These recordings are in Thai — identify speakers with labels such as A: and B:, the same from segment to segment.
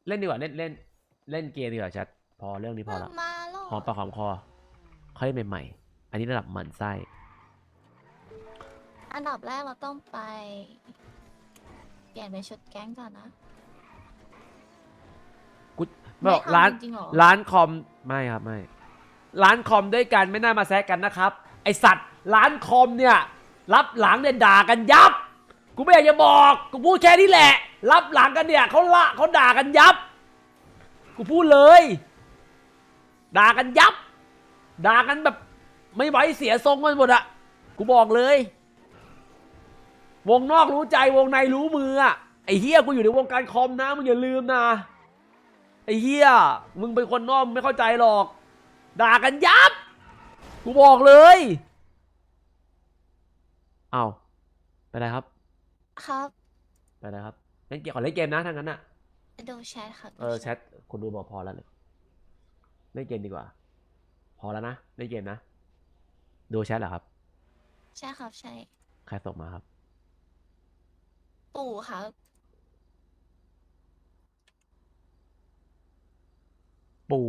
A: เล่นดีกว่าเล่นเล่นเล่นเกมดีกว่าชัดพอเรื่องนี้พอละ
B: มาแล้
A: หอมปากหอมคอค่อยใหม่ๆอันนี้ระดับหมั่นไส้
B: อันดับแรกเราต้องไปเปลี่ยนเป็นชุดแก๊งก่อนนะ
A: กูบ
B: ไม่
A: อกร้าน
B: ทำจริงๆหรอ
A: ร้านคอมไม่ครับไม่ร้านคอมด้วยกันไม่น่ามาแซะกันนะครับไอสัตว์ร้านคอมเนี่ยรับหลังเนี่ยด่ากันยับกูไม่อยากจะบอกกูพูดแค่นี้แหละรับหลังกันเนี่ยเขาด่ากันยับกูพูดเลยด่ากันยับด่ากันแบบไม่ไหวเสียทรงกันหมดอะกูบอกเลยวงนอกรู้ใจวงในรู้มืออะไอ้เฮียกูอยู่ในวงการคอมนะมึงอย่าลืมนะไอ้เฮียมึงเป็นคนนอกไม่เข้าใจหรอกด่ากันยับกูบอกเลยเอาไปเลยครับ
B: ครับ
A: ไปเลยครับเล่นเกมขอเล่นเกมนะถ้างั้นอะ
B: ดูแชทครับ
A: แชทคนดูบอกพอแล้วเลยเล่นเกมดีกว่าพอแล้วนะเล่นเกมนะดูแชทเหรอครับ
B: ใช่ครับใช่
A: ใครส่งมาครับ
B: ปู่ครับ
A: ปู่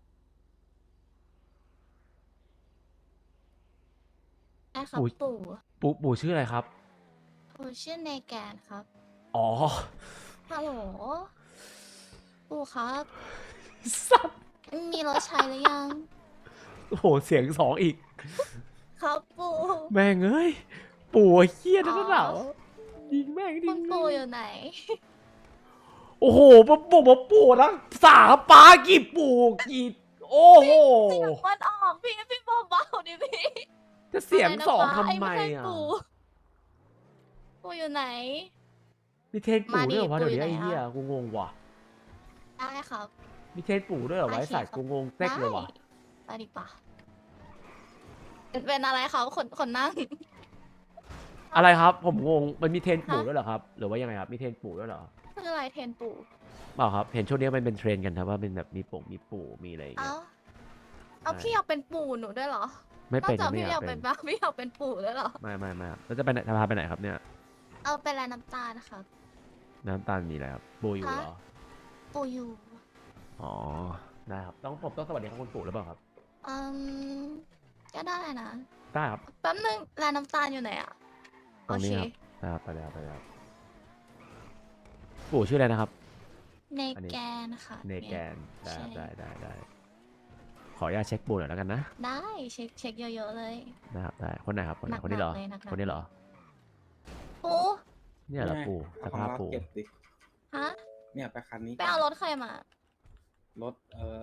B: ใช่ครับ
A: ปู่
B: ปู่
A: ปู่ชื่ออะไรครับ
B: ปู่ชื่อเนแกนครับ
A: อ๋อ
B: ฮัลโหลปู่ครับ
A: สัตว์
B: มีรถใช้หรือยัง
A: โอ้โหเสียงสองอีก
B: ครับปู่
A: แม่งเอ้ยปู่เฮี้ยนั่นหนาว
B: อ๋อ
A: ยิงแม่งดิ
B: คุณปู่อยู่ไหน
A: โอ้โหปู่นะสาปากี่ปู่กี่โอ้โห
B: เสียงมันออกพี่เบาๆดิพี่
A: จะเสียงสอง
B: ะรนะ
A: ทำ
B: ป้า
A: ไม
B: ใช่
A: อ่ะ
B: ปู่ปู่อยู่ไหน
A: มีเทรนปู่ด้วยเหรอวะ
B: มาดิ
A: เดี๋ยวนี้ไอ้
B: ปู่อยู่ไหน
A: เหี้ย
B: อะ
A: กูงงว่ะ
B: ได้ครับ
A: มีเทรนปู่ด้วยเหรอวะ
B: โอ
A: ไอ้
B: เค
A: สัตว์
B: ครับ
A: กูงงเต็กเลยว่ะ
B: ไปดีป่ะเป็นอะไรครับคนนั่ง
A: อะไรครับผมงงมันมีเทรนปู่
B: ฮะ
A: ด้วยเหรอครับหรือว่ายังไงครับมีเทรนปู่ด้วยเหรอ
B: คืออะไรเทรนปู่
A: เปล่าครับเห็นช่วงนี้มันเป็นเทรนกันครับว่าเป็นแบบมีปู่มีอะไรอย่างเงี้
B: เอ้าย เอา
A: ใช่
B: พี่อยากเป็นปู่หนูด้วยเหรอ
A: ไม่
B: นอ
A: เป็
B: ก
A: น
B: จาก
A: ไม่
B: พี่
A: อยา
B: อยาก ก
A: เป็
B: เป็น นบ้าพี่อยากเป็นปู่ด้วยเหรอ
A: ไม่ครับแล้วจะไปไหนจะพาไปไหนครับเนี่ย
B: เอาเป็นอะไรน้ำตาลครับ
A: น้ำตาลมีอะไรครับปู่อยู่เหรอ
B: ปู่อยู่
A: อ๋อได้ครับผมต้องสวัสดีครับคุณปู่หรือเปล่าครับ
B: อืมก็ได้นะ
A: ได้ครับ
B: แป๊บนึงร้านน้ำตาลอยู่ไหนอ่ะ
A: ตรงนี้
B: โอ
A: ค
B: เค
A: รับไปเลยครับปู่ชื่ออะไรนะครับ
B: เน
A: อันนี้
B: แกนค่ะ
A: เนแกนได้
B: ใช่
A: ได้ขออนุญาตเช็คปู่หน่อยแล้วกันนะ
B: ได้เช็คเยอะๆเลย
A: นะครับได้คนไหนครับคนไหน
B: หนักๆ
A: คนนี้เหรอ
B: เลยหนักๆ
A: คนนี้เหรอ
B: ปู่
A: เนี่ยเหรอปู่ส
C: เอาของ
A: ภาพ
C: เรา
A: ปู่
C: เก็บดิ
B: ฮะ
C: เนี่ยไปคันนี้
B: ไปเอารถใครมา
C: รถ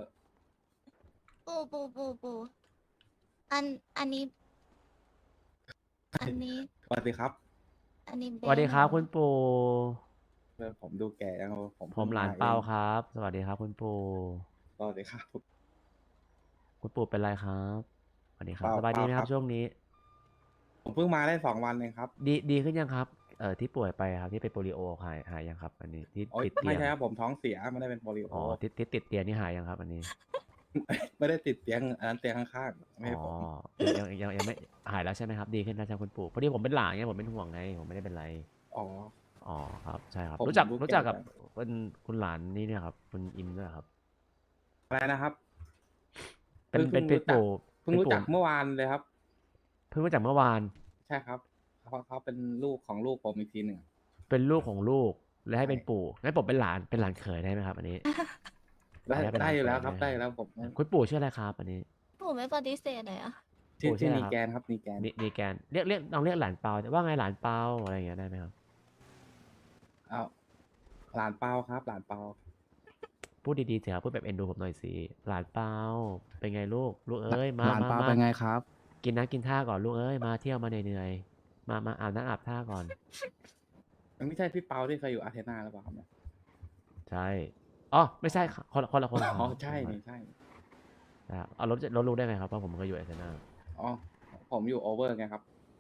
B: ปู่อันนี้ อันนี้
C: สวัสดีครับ
B: อันนี้เบ
A: สวัสดีครับ
B: น
A: คุณปู่
C: ผมดูแก่ยังผม
A: ผมหลานเปาครับ สวัสดีครับคุณปู่
C: สวัสดีครับ
A: คุณปู่เป็นไรครับสวัสดีครับ
C: เปา
A: สบายดีไหมค
C: ครั
A: รับบ ช่วงนี้
C: ผมเพิ่งมาได้2 วันเองครับ
A: ดีขึ้นยังครับที่ป่วยไปครับที่เป็นโปลิโอหายยังครับ อันนี้ที่
C: โอ๊ย
A: ติดเตี
C: ไม่
A: ยง
C: ใช่ครับผมท้องเสียไม่ได้เป็นโปลิโอ
A: อ๋อที่ติดเตียงนี่หายยังครับ อันนี้
C: ไม่ได้ติดเตียงอันนั้นเตียงข้างๆไม่ใช่
A: อ๋อ
C: ผม
A: ยังไม่หายแล้วใช่ไหมครับ ดีขึ้นแล้วใช่ไหมคุณปู่พอดีผมเป็นหลานไงผมเป็นห่วงไงผมไม่ได้เป็นไร
C: อ๋อ
A: อ๋อครับใช่ครับ
C: ผม
A: รู้จัก
C: รู้
A: รู้จัก
C: แก่
A: กับเป็นคุณหลานนี่เนี่ยครับคุณอิมด้วยครับ
C: อะไรนะครับ
A: เป็น
C: เพิ่งรู้จัก
A: ปู่
C: เพิ่งรู้จักเมื่อวานเลยครับ
A: เพิ่งรู้จักเมื่อวาน
C: ใช่ครับเขาเป็นลูกของลูกผมอีกทีหนึ่ง
A: เป็นลูกของลูกและให้
C: ใช่
A: เป็นปู่งั้นผมเป็นหลานเขยได้ไหมครับอันนี้
C: ได้
A: เป็นหลาน
C: ได้อยู่แล้ว
A: เขย
C: ครับ
A: ได้
C: ได้อยู่แล้วผม
A: คุณปู่ชื่ออะไรครับอันนี้
B: ปู่ไม่ปฏิเสธเลยอะ
C: ชื่อ
A: ปู่ชื่ออะไร
C: นี
A: ครับ
C: แกนครับนีแกน
A: นีแกนเรียกลองเรียกหลานเปาว่าไงหลานเปาอะไรอย่างเงี้ยได้ไหมครับ
C: อ้าวหลานเปาครับ หลานเปา
A: พูดดีๆเถอะครับพูดแบบเอ็นดูผมหน่อยสิหลานเปาเป็นไงลูกเอ้ยมา
D: หลาน
A: มา
D: ปลา
A: มา
D: เป็นไงครับ
A: กินน้ำกินท่าก่อนลูกเอ้ยมาเที่ยวมาเหนื่อยๆมาอาบน้ำอาบท่าก่อน
C: มันไม่ใช่พี่เปาที่เคยอยู่อาร์เทนาหรือเปล่าครับเนี่ย
A: ใช่อ๋อไม่ใช่ครับคนละคน
C: อ๋อใช่นี่ใช่
A: นะครับเอารถรู้ได้ไงครับว่าผมเคยอยู่ไอเซน่า
C: อ๋อผมอยู่โอเวอร์ไงครับ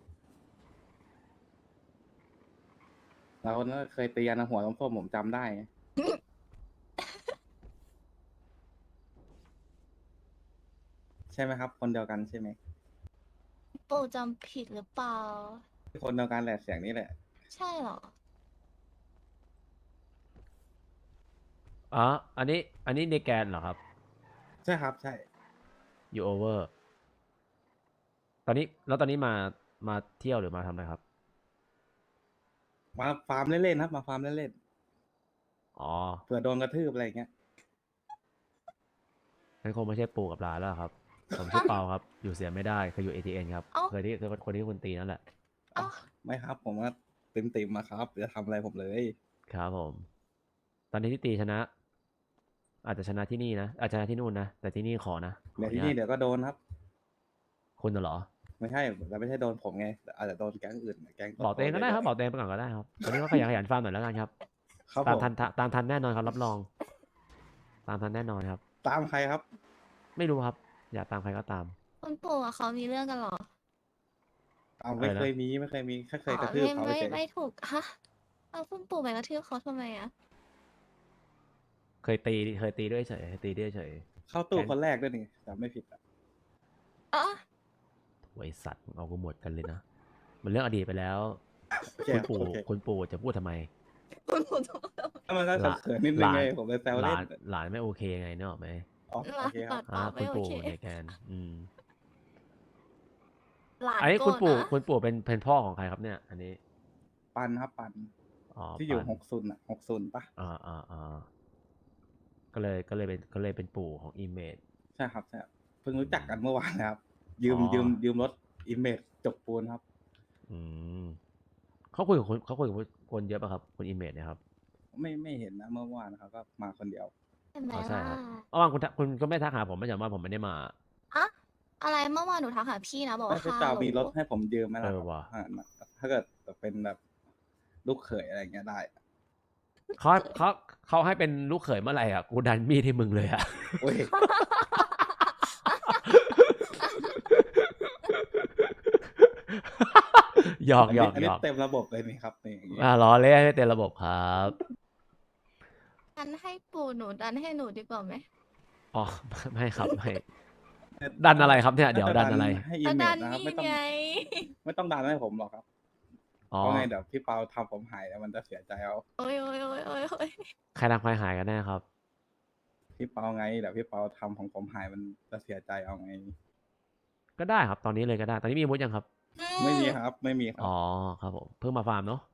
C: เราเนี่ยเคยตีกันนะหัวส้มๆผมจำได้ไง ใช่ไหมครับ คนเดียวกันใช่ไหม
B: ปู่จำผิดหรือเปล่า
C: คนเดียวกันแหละเสียงนี้แหละ
B: ใช่เหรอ
A: อ๋ออันนี้ในแกนเหรอครับ
C: ใช่ครับใช่
A: อยู่โอเวอร์ตอนนี้มาเที่ยวหรือมาทำอะไรครับ
C: มาฟาร์มเล่นๆครับมาฟาร์มเล่น
A: อ๋อ
C: ๆเผื่อโดนกระทืบอะไรอย่างเงี้ย
A: งั้นคงไม่ใช่ปู่กับหลานแล้วครับ ผมชื่อเปาครับ อยู่เสียไม่ได้เคยอยู่ ATN ครับ
B: เอ้า
A: เคยที่คนที่คุณตีนั่นแหละ
B: เอ้า
C: ไม่ครับ ผมว่าติมๆมาครับจะทำอะไรผมเลย
A: ครับผม ตอนนี้ที่ตีชนะ อาจจะชนะที่นี่นะ อาจจะชนะที่นู่นนะ แต่ที่นี่ขอนะข
C: เดี๋
A: อ
C: ยว
A: อ
C: ที่
A: ญา
C: นี่
A: ต
C: เดี๋ยวก็โดนครับ
A: คุณน่ะเหรอ
C: ไม่ใช่แต่ไม่ใช่โดนผมไงแต่อาจจะโดนแก๊งอื่นแก๊ง
A: บอกตัวเองก็ได้ครับ บอกตัวเองไปก่อนก็ได้ครับวันนี้ก็ขยันฟาร์มหน่อยแล้วกันครับ
C: ครับ
A: ตา
C: ผม ม
A: ทันแน่นอนครับรับรอง ตามทันแน่นอนครับ
C: ตามใครครับ
A: ไม่รู้ครับ อยากตามใครก็ตาม
B: คุณปู่กับเขามีเรื่องกันเหรอ
C: เอาไม่
A: อะไรนะ
C: เคยมีแค่เคย
B: อ๋อก
C: ระทืบเขา
B: ไม่
C: เฉย
B: ไม่ถูกฮะเอาคุณปู่ไปกระทืบเขาทำไมอะ
A: เคยตีด้วยเฉยเคยตีด้วยเฉย
C: เข้าตู้คนแรกด้วยนี่จำไม่ผิดอะ
B: อ๋อ
A: ไอสัตว์เอากูหมดกันเลยนะ มันเรื่องอดีตไปแล้ว
C: โอเค
A: คุณปู่จะพูดทำไม
B: คุณปู่ต้อง
C: ถ้ามันก็เขินๆนิดนึงไงผมเลยแซว
A: ห
C: เล่
A: ลาน นหลานไม่โอเคไงเนกอะไหม
C: อ๋อโอเคครับ
A: อ่า
B: ไม่
A: คุณ
B: โอ
A: ปู่
B: เค
A: เนี่ยแกน
B: หลาน
A: อันนี้
B: โกร
A: คุณ
B: ธ
A: ปู่
B: นะ
A: คุณปู่เป็นพ่อของใครครับเนี่ย อันนี้
C: ปันครับปัน
A: อ๋อ
C: ที่อยู่
A: ปัน
C: 60 ปะ
A: ก็เลยเป็นปู่ของอิมเมจ
C: ใช่ครับใช่ครับเพิ่งรู้จักกันเมื่อวานนะครับ ยืม
A: อ๋อ
C: ยืมรถอิมเมจจกปูนครับ
A: อืมเขาคุยกับคนเยอะป่ะครับคุณอิมเมจเนี่ยครับ
C: ไม่เห็นนะเมื่อวานนะครับก็มาคนเดียว
B: เห็นไหม
A: อ๋อใช่
B: ล่ะ
A: ครับเมื่อวานคุณก็ไม่ทักหาผมไม่ใช่ว่าผมไม่ได้มา
B: อะอะไรเมื่อวานหนูทักหาพี่นะบอกว่า
C: พี่
B: ฮัล
C: เปา
B: โหล
C: มีรถให้ผมยืมไหมล่ะ
A: เอ
C: ค
A: อ
C: รับ
A: ว่ะ
C: ถ้าเกิดเป็นแบบลูกเขยอะไรอย่างเงี้ยได้
A: เขาให้เป็นลูกเขยเมื่อไหร่อ่ะกูดันมีดให้มึงเลยอ่ะ
C: โอ้ย
A: หยอก
C: อัน
A: หย
C: นี้
A: อก
C: อัน
A: หย
C: นี้
A: อก
C: เต็มระบบเลยนี่ครับนี่อย่างงี้
A: ล้อเล่นให้เต็มระบบครับ
B: ดันให้ปู่หนูดันให้หนูดีกว่าไหม
A: อ๋อไม่ครับไม่ดันอะไรครับเนี่ยเดี๋ยวดันอะไร
C: ให้อิ
B: ก็
C: มเม
B: ดั
C: จ
B: น
C: นะครับ
B: นี่
C: ไม่ต้อง
B: ไง
C: ดันให้ผมหรอกครับ
A: อ๋อ
C: เพราะไงเดี๋ยวพี่เปาทำผมหายแล้วมันจะเสียใจเอา
B: โอ้ยโอ้ยโอ้ยโอ้ยโอ้ย
A: ใครทำใครหายกันแน่ครับ
C: พี่เปาไงเดี๋ยวพี่เปาทำของผมหายมันจะเสียใจเอาไง
A: ก็ได้ครับตอนนี้เลยก็ได้ ตอนนี้มีอาวุธยังครับ
C: ไม่มีครับ ไม่มีครับ
A: อ๋อครับผมเพิ่งมาฟาร์มเนาะ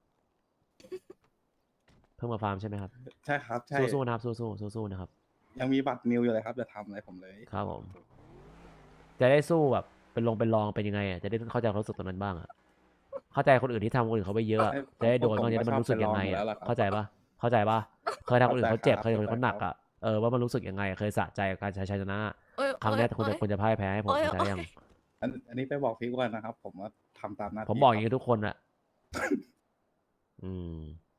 A: เพิ่งมาฟาร์มใช่ไหมครับ
C: ใช่ครับใช่
A: สู้ๆนะครับสู้ๆนะครับ
C: ยังมีบัตรนิวอยู่เลยครับจะทำอะไรผมเลย
A: ครับผม จะได้สู้แบบเป็นลองเป็นยังไงอ่ะจะได้เข้าใจความรู้สึกตรงนั้นบ้างอ่ะเข้าใจคนอื่นที่ทำคนอื่นเขาไปเยอะอะจะได้โดนบ้างจะได้มันรู้สึกยังไงอ่ะเข้าใจปะเคยทำคนอื่นเขาเจ็บเคยทำคนอื่นเขาหนักอ่ะว่ามันรู้สึกยังไงเคยสะใจกับการใช้ชัยชนะ
B: โอ้ย
A: ครั้งเนี้ย
B: โอ้ย
A: คุณจะพ่ายแพ้ให้ผม
B: โอ้ย
A: เข้าใจยัง
C: อันนี้ไปบอกพี่อ้วนนะครับ ผมว่าทำตามหน้าที่
A: ผมบอกอย่าง
C: ครั
A: นี้ทุกคนอะอืม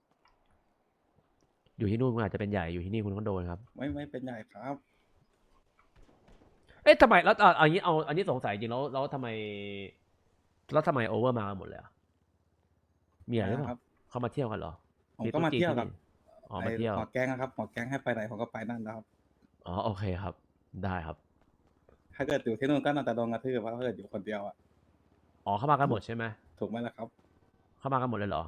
A: อยู่ที่นู่นคุณอาจจะเป็นใหญ่อยู่ที่นี่คุณก็โดนครับ
C: ไม่เป็นใหญ่ครับ
A: เอ๊ะทำไมแล้วอันนี้สงสัยจริงแล้วทำไมโอเวอร์มากันหมดเลยอะมีอะไรหรือเป
C: ครั
A: ล่า
C: บ
A: เข้ามาเที่ยวกันเหรอ
C: ผมก็มาเที่ยวกับ
A: อ๋อมาเที่ยว
C: หมอแก๊งนะครับหมอแก๊งให้ไปไหนผมก็ไปนั่นแล้วครับ
A: อ๋อโอเคครับ ได้ครับ
C: ถ้าเกิดอยู่ที่นู่นก็น่าจะโดนกระทืบเพราะถ้าเกิดอยู่คนเดียวอ่ะ
A: อ๋อเข้ามากันหมดใช่ไหม
C: ถูกไหมล่ะครับ
A: เข้ามากันหมดเลยเหรอ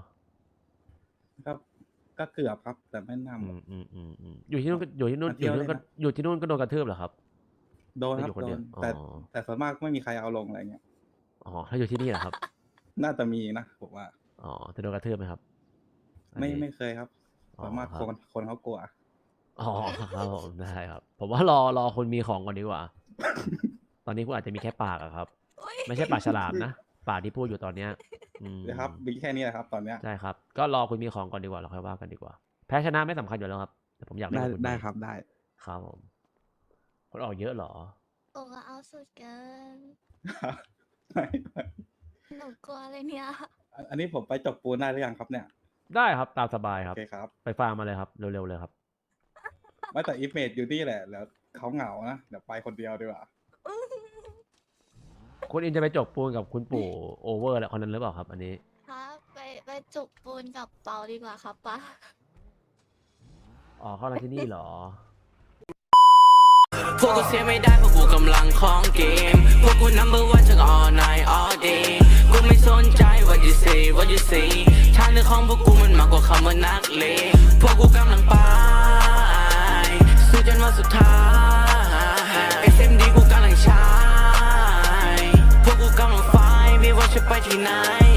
C: ก็เกือบครับ แต่ไม่นำ
A: อยู่ที่นู่นก็อยู่ที่นู่น
C: มาเที่ยว
A: ก็โดนกระทืบเหรอครับ
C: โดน
A: ไม่
C: ค
A: อ
C: รับ
A: ยู่คน
C: โด
A: เดียวน อ๋อ
C: แต่ส่วนมากไม่มีใครเอาลงอะไรเงี้ย
A: อ๋อถ้าอยู่ที่นี่เหรอครับ
C: น่าจะมีนะผมว่า
A: อ๋อจะโดนกระทืบไหมครับอัน
C: ไม่
A: นี้
C: ไม่เคยครับ
A: อ๋อ
C: ส่วนมาก
A: ครับ
C: คนเขากลัว
A: อ๋อครับผมได้ครับ ผมว่ารอคนมีของก่อนดีกว่า ตอนนี้คุณอาจจะมีแค่ปากอะครับ ไม่ใช่ปากฉลามนะปากที่พูดอยู่ตอนเนี้ยอืม
C: นะครับมีแค่นี้แหละครับ ตอนเนี้ย
A: ใช่ครับ ก็รอคุณมีของก่อนดีกว่าเราค่อยว่ากันดีกว่า แพ้ชนะไม่สำคัญอยู่แล้วครับแต่ผมอยากเล่นกับคุณ
C: ได้ครับได้
A: ครับผมคนออกเยอะเหรอ
B: ปู่ก็เอาสุดเกิน
C: ไม่
B: หนูกลัวเลยเนี่ย
C: อันนี้ผมไปจบปูนได้หรือยังครับเนี่ย
A: ได้ครับตามสบายค
C: โอ
A: รับ
C: เคครับ
A: ไปฟาร์มมาเลยครับเร็วๆเลยครับ
C: ไม่แต่อิฟเมจอยู่นี่แหละแล้วเขาเหงานะเดี๋ยวไปคนเดียวดีกว่า
A: คุณอินจะไปจบปูนกับคุณปู่โอเวอร์แล้วคนนั้นหรือเปล่าครับ อันนี้
B: ครับไปจุกปูนกับเปาดีกว่าครับป้า
A: อ๋อเข้ามาที่นี่เหรอ
D: พวกกูเสียไม่ได้เพราะกูกำลังของเกม พวกกู number one ทั้ง all night all day กูไม่สนใจ what you say what you say ทางเดินของพวกกูมันมากกว่าคำว่านักเลงพวกกูกำลังไปสุดท้าย SMD กูกำลังใช้พวกกูกำลังไฟไม่ว่าจะไปที่ไหน